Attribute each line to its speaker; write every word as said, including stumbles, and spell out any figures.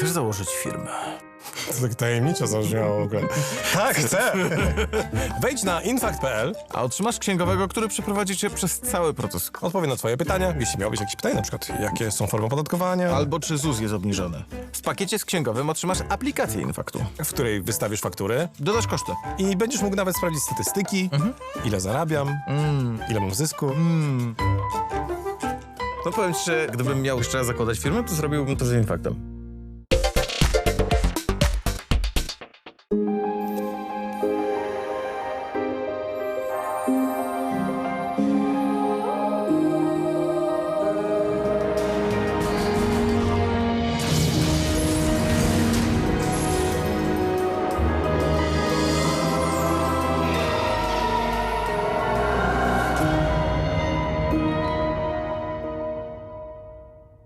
Speaker 1: Chcesz założyć firmę?
Speaker 2: To tak tajemniczo zabrzmiało w ogóle. Tak, chcę! Wejdź na infact kropka p l,
Speaker 1: A otrzymasz księgowego, który przeprowadzi cię przez cały proces.
Speaker 2: odpowie na twoje pytania, jeśli miałbyś jakieś pytania, na przykład jakie są formy opodatkowania,
Speaker 1: Albo czy Z U S jest obniżony. W pakiecie z księgowym otrzymasz aplikację Infaktu.
Speaker 2: w której wystawisz faktury
Speaker 1: Dodasz koszty.
Speaker 2: i będziesz mógł nawet sprawdzić statystyki, ile zarabiam, ile mam zysku.
Speaker 1: No powiem ci, że gdybym miał jeszcze raz zakładać firmę, to zrobiłbym to z Infaktem.